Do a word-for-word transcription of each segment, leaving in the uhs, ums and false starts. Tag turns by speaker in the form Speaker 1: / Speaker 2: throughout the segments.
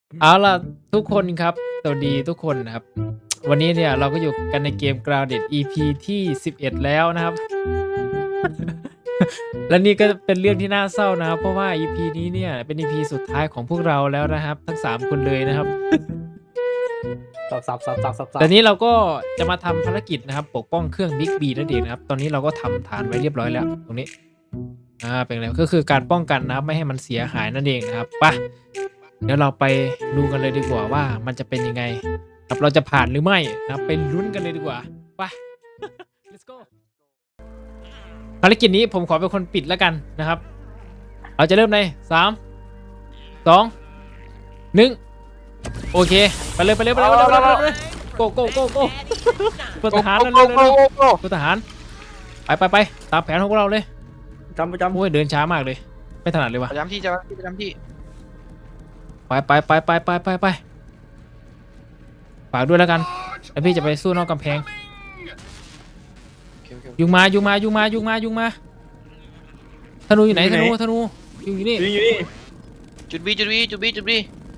Speaker 1: เอาล่ะทุกคนครับสวัสดีทุกคนนะครับวันนี้เนี่ยเราก็อยู่กันในเกม Grounded อี พี ที่สิบเอ็ดแล้วนะครับ และนี่ก็เป็นเรื่องที่น่าเศร้านะครับเพราะว่า อี พี นี้เนี่ยเป็น อี พี สุดท้ายของพวกเราแล้วนะครับทั้งสามคนเลยนะครับ
Speaker 2: สับสับสับสับสับสับ
Speaker 1: แต่นี้เราก็จะมาทำภารกิจนะครับปกป้องเครื่อง Big B นั่นเองนะครับตอนนี้เราก็ทำฐานไว้เรียบร้อยแล้วตรงนี้อ่าเป็นอะไรก็คือการป้องกันนะครับไม่ให้มันเสียหายนั่นเองนะครับไปเดี๋ยวเราไปดูกันเลยดีกว่าว่ามันจะเป็นยังไงครับเราจะผ่านหรือไม่นะครับไปลุ้นกันเลยดีกว่าไป let's go ภารกิจนี้ผมขอเป็นคนปิดแล้วกันนะครับเราจะเริ่มในสามสองหนึ่งโอเคไปเลยไปเลยไปเลยไปเลยไปเลยไปเลยโกโกโกโกพลทหารนั่นเลยพลทหารไปไปไปตามแผนของพวกเราเลย
Speaker 2: จำประจำ
Speaker 1: โอ้ยเดินช้ามากเลยไม่ถนัดเลยว่ะ
Speaker 3: ประจำที่จะประจำที่
Speaker 1: ไปไปไปไปไปไปไปฝากด้วยแล้วกันแล้วพี่จะไปสู้นอกกำแพงยุงมายุงมายุงมายุงมายุงมาธนูอยู่ไหนธนูธนูยุงอยู่นี่
Speaker 2: อยู่นี่อยู่นี่
Speaker 3: จุดบีจุดบีจุดบีจุดบี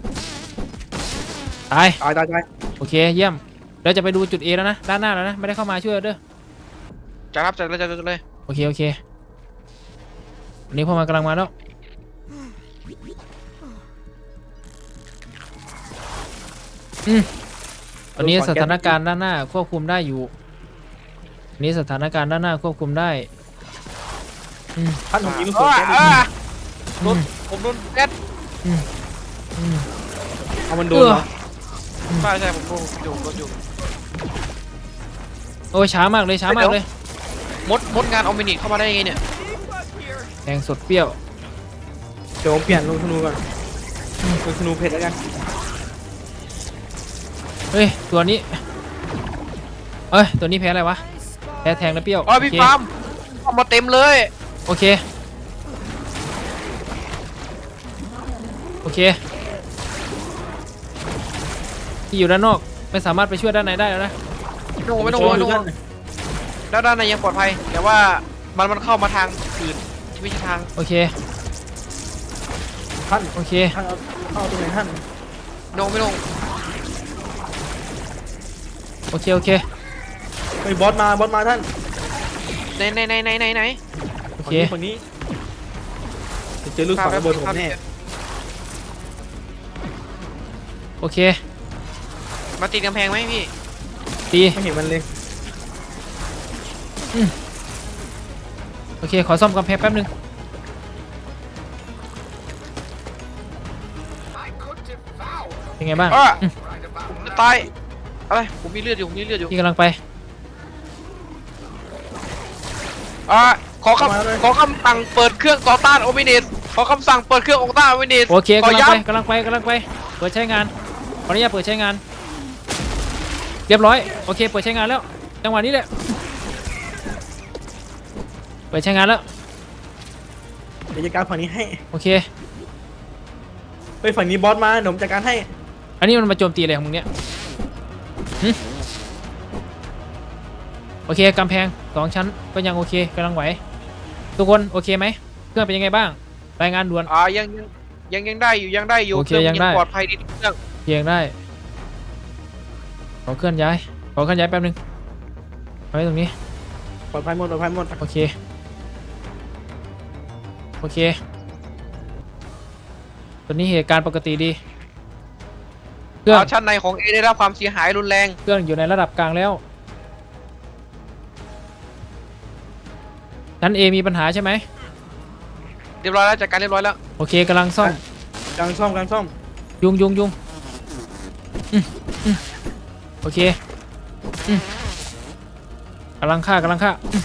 Speaker 1: ตาย
Speaker 2: ตายตายตาย
Speaker 1: โอเคเยี่ยมเราจะไปดูจุด A แล้วนะด้านหน้าแล้วนะไม่ได้เข้ามาช่วยเด้อ
Speaker 3: จัดครับจัดเลยจัดเลย
Speaker 1: โอเคโอเควันนี้พวกมันกำลังมาแล้วอืมตอนนี้สถานการณ์ด้านหน้าควบคุมได้อยู่อันนี้สถานการณ์ด้านหน้าควบคุมได้อืม
Speaker 2: ท่านผมยิงลูกศ
Speaker 3: อ่าร
Speaker 2: แก๊ส
Speaker 3: อ่า
Speaker 1: อื
Speaker 3: โดน
Speaker 1: ม
Speaker 3: ผมโดนแก๊ส
Speaker 1: อืมอืม
Speaker 2: เอามันโดนเหรอ
Speaker 3: ใช่ใช่ผมโดนอยู่โดนอยู่
Speaker 1: โอ้ยช้ามากเลยช้ามากเลย
Speaker 3: มดมดงานออมินิเข้ามาได้ยังไงเนี่ย
Speaker 1: แทงสดเปรี้ยว
Speaker 2: เดี๋ยวผมเปลี่ยนลงธนูก่อนลงธนูเพชรแล้วกัน
Speaker 1: เฮ้ยตัวนี้เอ้ยตัวนี้แพ้อะไรวะแพ้แทงแล้วเปรี้ยว
Speaker 3: อ๋อพี่
Speaker 1: โเค
Speaker 3: ฟาร์มเข้ามาเต็มเลย
Speaker 1: โอเคโอเคที่อยู่ด้านนอกไม่สามารถไปช่วยด้านในได้แล้วนะ
Speaker 3: ไม่ต้องไม่ต้องไม่ต้องแล้วด้านในยังปลอดภัยแต่ว่ามันมันเข้ามาทางอื่นที่ไม่ใช่ทาง
Speaker 1: โอเค
Speaker 2: ท่าน
Speaker 1: โอเค
Speaker 2: ท่านเอาเข้าตรงไหนท่าน
Speaker 3: โนไม่ลง
Speaker 1: โอเคโอเค
Speaker 2: ไปบอสมาบอสมาท่าน
Speaker 3: ไหนไหนไหนไหนไหนไหน
Speaker 1: โอ
Speaker 2: คน
Speaker 1: เค
Speaker 2: นี้คนนี้จะเจอลูกศรระเบิดผมแน่
Speaker 1: โอเค
Speaker 3: มาติดกำแพงไหมพี่
Speaker 1: ตี
Speaker 2: ไม่เห็นมันเลย
Speaker 1: โอเคขอซ่อมกำแพงแป๊บนึงเป็นไงบ้าง
Speaker 3: อ่ะ
Speaker 1: อืม
Speaker 3: ผมจะตายอะไรผมมีเลือดอยู่ผมมีเลือดอยู่
Speaker 1: พี่กำลังไป
Speaker 3: อ่าขอคำขอคำสั่งเปิดเครื่องต่อต้านโอมินิสขอคำสั่งเปิดเครื่องต่อต้านโอมินิส
Speaker 1: โอเค
Speaker 3: ขอก
Speaker 1: ำลัง
Speaker 3: ย้
Speaker 1: ไปกำลังไปกำลังไปเปิดใช้งานขออนุญาตเปิดใช้งานเรียบร้อยโอเคเปิดใช้งานแล้วจังหวะนี้แหละเปิดใช้งานแล้ว
Speaker 2: เดี๋ยวจัดการฝั่งนี้ให้
Speaker 1: โอเค
Speaker 2: ไปฝั่งนี้บอสมาเดี๋ยวผมจัดการให้
Speaker 1: อันนี้มันมาโจมตีอะไรของมึงเนี่ยหึโอเคกำแพงสองชั้นก็ยังโอเคกำลังไหวทุกคนโอเคไหมเครื่องเป็นยังไงบ้างรายงานด่วน
Speaker 3: ำอ่ายังยังยังยังได้อยู่ยังได้อยู่
Speaker 1: โอเค
Speaker 3: รื่อง
Speaker 1: ยังได้
Speaker 3: ปลอดภัยดีเครื่อง
Speaker 1: เพียงได้ขอเคลื่อนย้ายขอเคลื่อนย้ายแป๊บนึงไว้ตรงนี้
Speaker 2: ปลอดภัยหมดปลอดภัยหมด
Speaker 1: โอเคโอเคตัวนี้เหตุการณ์ปกติดีเครื่อง
Speaker 3: อ่าชั้นในของเอได้รับความเสียหายรุนแรง
Speaker 1: เครื่องอยู่ในระดับกลางแล้วชั้น A มีปัญหาใช่ไหม
Speaker 3: เรียบร้อยแล้วจัดการเรียบร้อยแล้ว
Speaker 1: โอเคกำลังซ่อม
Speaker 2: กลางซ่อมกลางซ่อม
Speaker 1: ยุงยุงยุงอืมอืมโอเคอืมกำลังฆ่ากำลังฆ่าอืม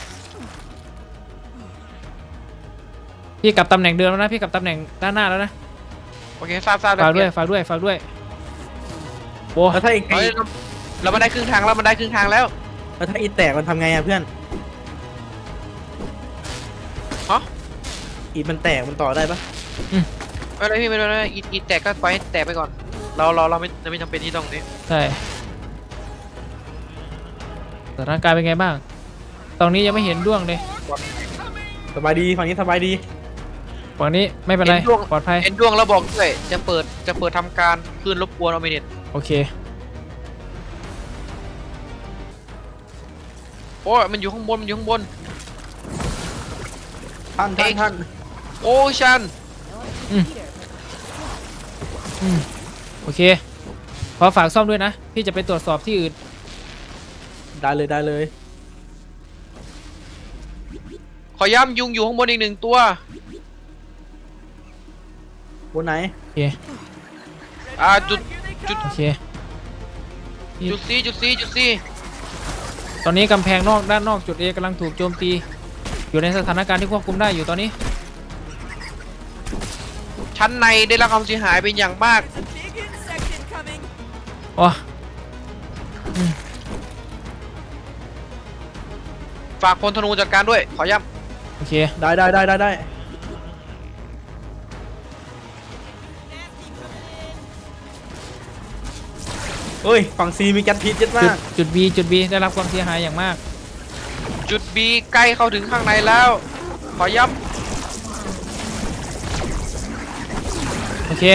Speaker 1: พี่กลับตำแหน่งเดิมแล้วนะพี่กลับตำแหน่งด้านหน้าแล้วนะ
Speaker 3: โอเคทราบทราบ
Speaker 1: ฝากด้วย
Speaker 3: เปลี่น
Speaker 1: ฝากด้วยฝากด้วยโอ้
Speaker 2: แล้วถ้าอีก
Speaker 3: เฮ้ยเราเรามาได้ครึ่งทางแล้วมันได้ครึ่งทางแล้ว
Speaker 2: แล้วถ้าอีแตกมันทำไงอะเพื่อน
Speaker 3: ฮะ
Speaker 2: อีมันแตกมันต่อได้ปะ
Speaker 3: ไม่เป็นไรพี่ไม่เป็นไรอีอีแตกก็ปล่อยให้แตกไปก่อนเราเราเราไม่เราไม่จำเป็นที่ต้องนี้
Speaker 1: ใช่สถานการณ์เป็นไงบ้างตรงนี้ยังไม่เห็นด้วงเลย
Speaker 2: สบายดีฝั่งนี้สบายดี
Speaker 1: ฝั่งนี้ไม่เป็นไร
Speaker 3: เห็นดวง
Speaker 1: ปลอดภัย
Speaker 3: เห็นดวงแล้วบอกด้วยจะเปิดจะเปิดทำการคลื่นรบกวนออมิเนต
Speaker 1: โอเค
Speaker 3: โอ้ยมันอยู่ข้างบนมันอยู่ข้างบน
Speaker 2: ท่านท่านท่าน
Speaker 3: โอ้ชัน
Speaker 1: อืมโอเคขอฝากซ่อมด้วยนะพี่จะไปตรวจสอบที่อื่น
Speaker 2: ได้เลยได้เลย
Speaker 3: ขอย้ำยุงอยู่ข้างบนอีกหนึ่งตัว
Speaker 2: บนไหน
Speaker 1: โอเค
Speaker 3: อ่าจุดจุด
Speaker 1: โอเค
Speaker 3: จุดซีจุดซีจุดซี
Speaker 1: ตอนนี้กำแพงนอกด้านนอกจุด A กำลังถูกโจมตี อยู่ในสถานการณ์ที่ควบคุมได้อยู่ตอนนี้
Speaker 3: ชั้นในได้รับความเสียหายเป็นอย่างมาก
Speaker 1: อ๋อ
Speaker 3: ฝากพลธนูจัดการด้วย ขอย้
Speaker 1: โอเค
Speaker 2: ได้ได้ได้ได้ได้เฮ้ยฝั่งซีมีแก๊สพิษเยอะ
Speaker 1: จุ
Speaker 2: มา
Speaker 1: ด
Speaker 2: ก
Speaker 1: จุด B จุด B ได้รับความเสียหายอย่างมาก
Speaker 3: ำจุดบีใกล้เข้าถึงข้างในแล้ว ขอย้
Speaker 1: โอเค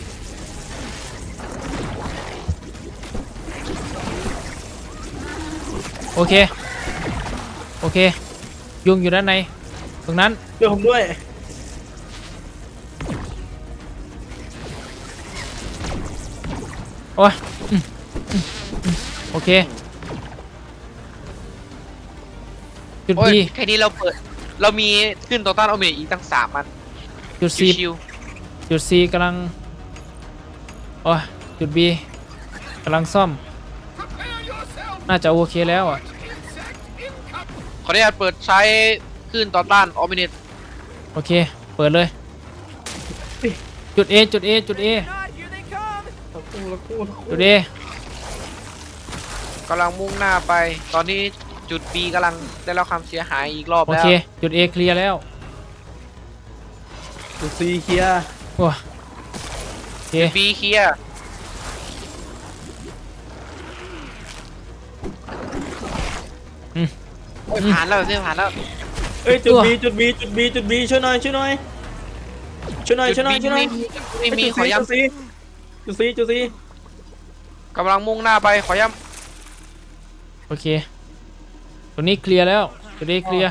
Speaker 1: โอเค โอเค ยุงอยู่ด้านใน ตรงนั้น
Speaker 2: ช่วยผมด้วย
Speaker 1: โอ้ยอืมอืมอืมโอเค จุด
Speaker 3: ำโอ้ย
Speaker 1: B
Speaker 3: แค่นี้เราเปิด เรามีขึ้นต่อต้านออมิเนตอีกตั้งสามมัน
Speaker 1: จุด C
Speaker 3: ชิว
Speaker 1: จุด C กำลัง โอ้ยจุด B กำลังซ่อม น่าจะโอเคแล้วอ่ะ
Speaker 3: ๆขออนุญาตเปิดใช้ขึ้นต่อต้านออมิเนต
Speaker 1: โอเค เปิดเลย จุด A จุด A จุด A
Speaker 2: ตะกู้ตะกู้ตะกู้
Speaker 1: จุด A
Speaker 3: กำลังมุ่งหน้าไป ตอนนี้จุด B กำลังได้รับความเสียหายอีกรอบ
Speaker 1: โอ
Speaker 3: แล้ว
Speaker 1: เค จุด A เคลียร์แล้ว
Speaker 2: จุดซีเคลียร์
Speaker 1: โอ้ยโอเค
Speaker 3: B เคลียร์โอ้ยผ่านแล้วเส้นผ่านแล้ว
Speaker 2: เอ้ยจุดบีจุดบีจุดบีจุดบีช่วยหน่อยช่วยหน่อยช่วยหน่อยช่วยหน่อยช่วยหน่อย
Speaker 3: ไม่มีขอ
Speaker 2: จุ
Speaker 3: ย้
Speaker 2: ดซีจุดซีจุดซี
Speaker 3: ำกำลังมุ่งหน้าไปขอย้
Speaker 1: โอเค ตรงนี้เคลียร์แล้ว จุด A เคลียร์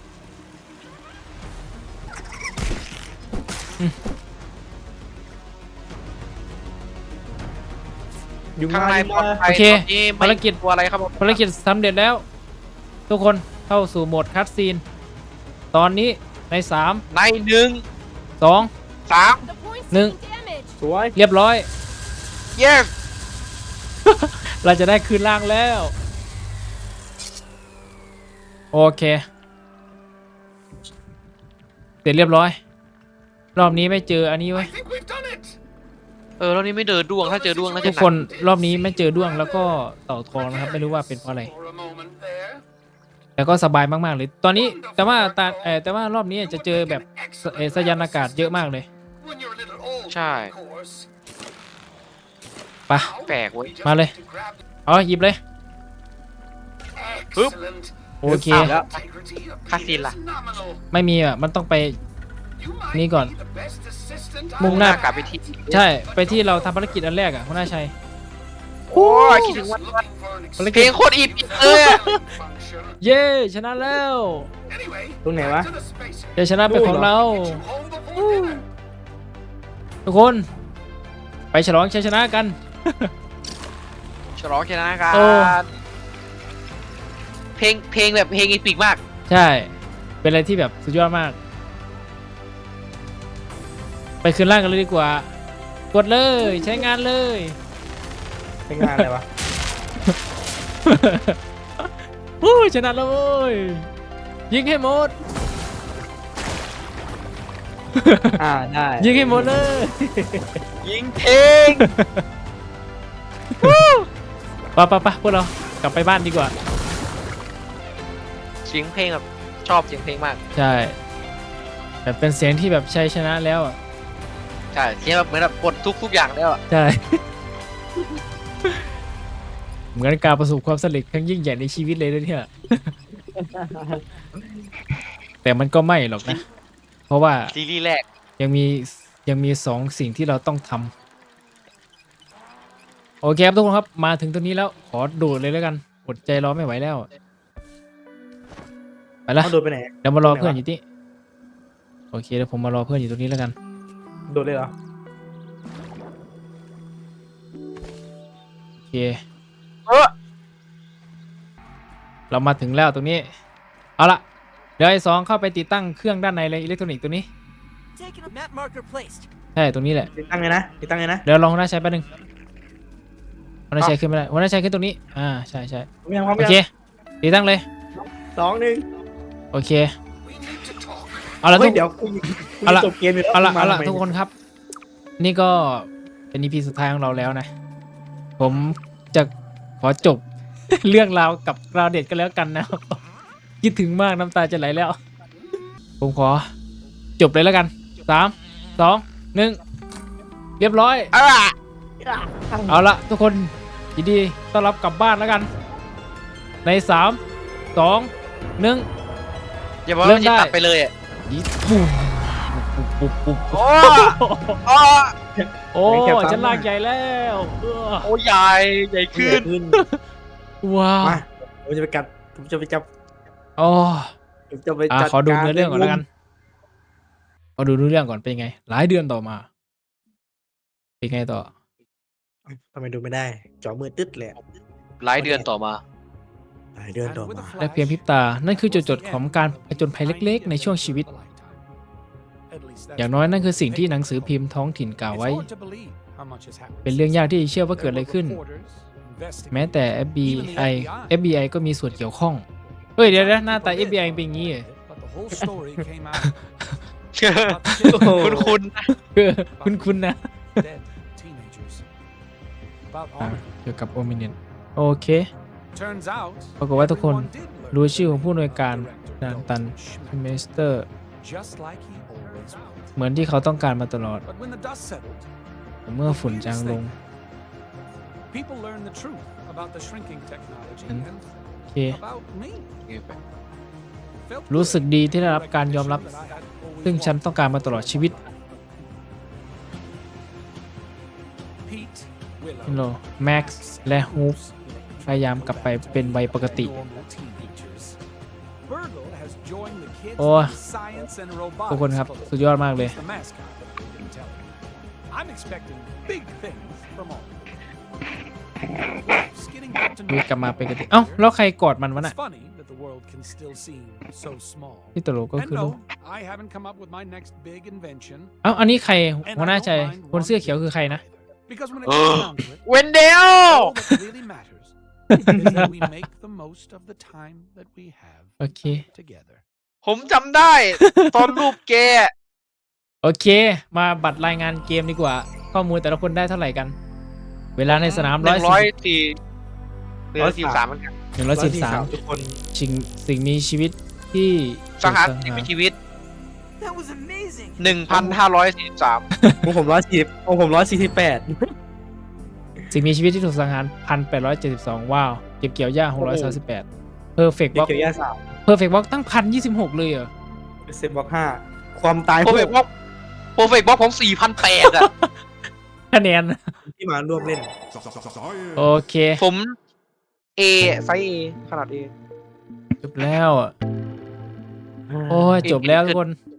Speaker 2: ยุง
Speaker 3: ำข้าง
Speaker 2: มา
Speaker 3: ใน
Speaker 2: ยุง
Speaker 3: ปลอ
Speaker 2: มา
Speaker 3: ดภัย
Speaker 1: โอเค
Speaker 3: ตอนนี้ไม่
Speaker 1: ภารกิจ
Speaker 3: กลัวอะไรครับผม
Speaker 1: ภารกิจสำเร็จแล้ว ทุกคนเข้าสู่โหมดคัตซีน ตอนนี้ในสาม
Speaker 3: ในหนึ่ง
Speaker 1: สอง
Speaker 3: สาม
Speaker 1: หนึ่ง
Speaker 2: สวย
Speaker 1: เรียบร้อย
Speaker 3: yes
Speaker 1: เราจะได้คืนร่างแล้ว โอเค เสร็จเรียบร้อย รอบนี้ไม่เจออันนี้ไว้ย
Speaker 3: เออรอบนี้ไม่เดินดวงถ้าเจอดวงน่าจะ
Speaker 1: ทุกคนรอบนี้ไม่เจอด้วงแล้วก็เต่าทองนะครับ ไม่รู้ว่าเป็นเพราะอะไร แต่ก็สบายมากๆเลย ตอนนี้แต่ว่าตาเออแต่ว่ารอบนี้จะเจอแบบสเอ่อสยานอากาศเยอะมากเลย
Speaker 3: ใช่
Speaker 1: ไปะ
Speaker 3: แปลกเว้ย
Speaker 1: มาเลย เอาหยิบเลย
Speaker 3: ปึ๊บ
Speaker 1: โอเค
Speaker 2: อ้าวแล้ว
Speaker 3: คาสินล่ะ
Speaker 1: ไม่มีอ่ะ มันต้องไปนี่ก่อน มุ่
Speaker 3: มุ่
Speaker 1: ง
Speaker 3: ง
Speaker 1: ห
Speaker 3: ห
Speaker 1: น้า
Speaker 3: น้ากลับไปที่
Speaker 1: ใช่ ไปที่เราทำภารกิจอันแรกอ่ะคุณนาชัย
Speaker 3: โอ้ยคิดถึงวันวัน
Speaker 1: ภาร
Speaker 3: เพ
Speaker 1: กิ
Speaker 3: ล
Speaker 1: จ
Speaker 3: งโคตรอีพิกเลยอะ
Speaker 1: เย้ชนะแล้ว
Speaker 2: ตรงไหนวะ
Speaker 1: เดี๋ยวชนะเป็นของเรา ทุกคน ไปฉลองชัยชนะกัน
Speaker 3: ฉลองชนะกา
Speaker 1: โอ้
Speaker 3: รเพลงเพลงแบบเพลงอีพิกมาก
Speaker 1: ใช่ เป็นอะไรที่แบบสุดยอดมาก ไปคืนร่างกันเลยดีกว่า กดเลยใช้งานเลย
Speaker 2: เป็นงานอะไรวะ
Speaker 1: โอ้ยชนะแล้วเว้ยยิงให้หมด
Speaker 2: อ่าได้
Speaker 1: ยิงให้หมดเลย
Speaker 3: ยิงเพลง
Speaker 1: ปะปะปะพวกเรากลับไปบ้านดีกว่า
Speaker 3: เสียงเพลงแบบชอบเสียงเพลงมาก
Speaker 1: ใช่แบบเป็นเสียงที่แบบชัยชนะแล้วอ่ะ
Speaker 3: ใช่เสียงแบบเหมือนแบบปลดทุกทุกอย่างแล้วอะ
Speaker 1: ใช่ เหมือนการประสบความสำเร็จครั้งยิ่งใหญ่ในชีวิตเลยนะเนี่ย แต่มันก็ไม่หรอกนะ เพราะว่า
Speaker 3: ซีรีส์แรก
Speaker 1: ยังมียังมีสองสิ่งที่เราต้องทำโอเคครับทุกคนครับมาถึงตรงนี้แล้วขอโดดเลยแล้วกันอดใจรอไม่ไหวแล้วไปละ
Speaker 2: เอาโดดไปไหน
Speaker 1: เดี๋ยวมารอ
Speaker 2: โดดไหนวะ
Speaker 1: เพื่อนอยู่ที่โอเคเดี๋ยวผมมารอเพื่อนอยู่ตรงนี้แล้วกัน
Speaker 2: โดดเลยเหรอ
Speaker 1: โอเค
Speaker 3: เออ
Speaker 1: เรามาถึงแล้วตรงนี้เอาละเดี๋ยวไอ้สองเข้าไปติดตั้งเครื่องด้านในเลยอิเล็กทรอนิกส์ตัวนี้
Speaker 4: Taking a map marker placed.
Speaker 1: ใช่ตรงนี้แหละ
Speaker 2: ติดตั้งไงนะติดตั้งไงนะ
Speaker 1: เดี๋ยวลองหัวหน้าใช้แป๊บนึงหัวหน้าใช้ขึ้นไม่ได้หัวหน้าใช้ขึ้นตรงนี้อ่าใช่ใช่
Speaker 2: พร้อมยังพร้อม
Speaker 1: โอ
Speaker 2: ยัง
Speaker 1: เคติดตั้งเลย
Speaker 2: สองหนึ่ง
Speaker 1: โอเคเอาละ
Speaker 2: เฮ้
Speaker 1: ทุ
Speaker 2: ย
Speaker 1: ก
Speaker 2: เดี๋ยวกู
Speaker 1: เอาละ
Speaker 2: จบเกมอยู่แล้ว
Speaker 1: เอาละ
Speaker 2: มา
Speaker 1: เอาละ
Speaker 2: ทำไม
Speaker 1: ทุกคนครับ นี่ก็เป็น อี พี สุดท้ายของเราแล้วนะ ผมจะขอจบ เรื่องราวกับกราวเด็ดกันแล้วกันนะครับ คิดถึงมากน้ำตาจะไหลแล้ว ผมขอจบเลยแล้วกันสามสองหนึ่งเรียบร้อย
Speaker 3: อ่ะ
Speaker 1: เอาละทุกคนยินดีต้อนรับกลับบ้านแล้วกัน ในสามสองหนึ่ง
Speaker 3: อย่าบอก
Speaker 1: เริ่
Speaker 3: ว่าม จะ
Speaker 1: ได้
Speaker 3: ตัดไปเลยอ่ะ
Speaker 1: ยิปุ่มปุ๊บปุ๊บปุ๊บ
Speaker 3: โอ้โอ้
Speaker 1: โอ้ฉันลากใหญ่แล้วเออ
Speaker 3: โอ้ใหญ่ใหญ่ขึ้น
Speaker 2: ขึ้น
Speaker 1: ว้าว
Speaker 2: มาผมจะไปกัดผมจะไปจับ
Speaker 1: โอ้
Speaker 2: ผมจะไป
Speaker 1: อ่ะ
Speaker 2: จัด
Speaker 1: ขอดู
Speaker 2: การ
Speaker 1: เนื้อเรื่องก่อนแล้วกันขอดูเนื้อเรื่องก่อนเป็นไง หลายเดือนต่อมา เป็นไงต่อ
Speaker 2: ทำไมดูไม่ได้จอมือตึ๊ดเลยอะ
Speaker 3: หลายเดือนต่อมา
Speaker 2: หลายเดือนต่อมา
Speaker 1: และเพียงพริบตา นั่นคือจุดจบของการผจญภัยเล็กๆ ในช่วงชีวิต อย่างน้อยนั่นคือสิ่งที่หนังสือพิมพ์ท้องถิ่นกล่าวไว้ เป็นเรื่องยากที่จะเชื่อว่าเกิดอะไรขึ้น แม้แต่ เอฟ บี ไอ เอฟ บี ไอ ก็มีส่วนเกี่ยวข้อง เฮ้ยเดี๋ยวนะหน้าตา เอฟ บี ไอ เป็นอย่างนี้เหรอ
Speaker 3: คุณคุณ
Speaker 1: เออคุ้นๆนะอ่ะเกี่ยวกับโอมิเนนโอเค ปรากฏว่าทุกคนรู้ชื่อของผู้อำนวยการดานตันเมสเตอร์ เหมือนที่เขาต้องการมาตลอด แต่เมื่อฝุ่นจางลง โอเค รู้สึกดีที่ได้รับการยอมรับ ซึ่งฉันต้องการมาตลอดชีวิตฮิโลแม็กซ์และฮูปพยายามกลับไปเป็นวัยปกติ โอ้ทุกคนครับ สุดยอดมากเลย ดูกลับมาเป็นปกติ เอ้า แล้วใครกอดมันวะน่ะที่ตลกก็คือลูกเอ้า อันนี้ใครหัวหน้าใจคนเสื้อเขียวคือใครนะ
Speaker 3: เออเวนเดล
Speaker 1: โอเค
Speaker 3: ผมจำได้ ตอนรูปแก
Speaker 1: โอเค มาบัตรรายงานเกมดีกว่า ข้อมูลแต่ละคนได้เท่าไหร่กัน เวลาในสนาม
Speaker 3: ห
Speaker 1: ร้อ
Speaker 3: นึ่
Speaker 1: ย
Speaker 3: งร้อย
Speaker 1: สี่
Speaker 3: สี่หนึ่งร้อยสี่สามเหมือนกัน
Speaker 1: หนึ่งร้อยสิบสาม
Speaker 2: ทุกคน
Speaker 1: สิ่งสิ่งมีชีวิตที่
Speaker 3: สังหาร
Speaker 1: ถูก
Speaker 3: สิ่งมีชีวิต
Speaker 4: That was amazing.
Speaker 3: หนึ่งพันห้าร้อยสี่สิบสาม
Speaker 2: ของผมร้อยสี่ของผมร้อยสี่สิบแปด
Speaker 1: สิ่งมีชีวิตที่ถูกสังหาร หนึ่งพันแปดร้อยเจ็ดสิบสอง ว้าว เก็บเกี่ยวหญ้า หกร้อยสามสิบแปด เพอร์เฟกต์บล็อก
Speaker 2: เกี่ยวยาสาม
Speaker 1: เพอร์เฟกต์บล็อกตั้ง หนึ่งพันยี่สิบหก เลยเหรอ
Speaker 2: เซฟบล็อกห้าความตาย
Speaker 3: โปรเฟกต์บล็อกโปรเฟกต์บล็อกผมสี่พันแปดอ่ะ
Speaker 1: คะแนน
Speaker 2: ที่มาร่วมเล่น
Speaker 1: โอเค
Speaker 3: ผม A ไซส์ A ขนาด A
Speaker 1: จบแล้วอะโอ้ย จบแล้วทุกคน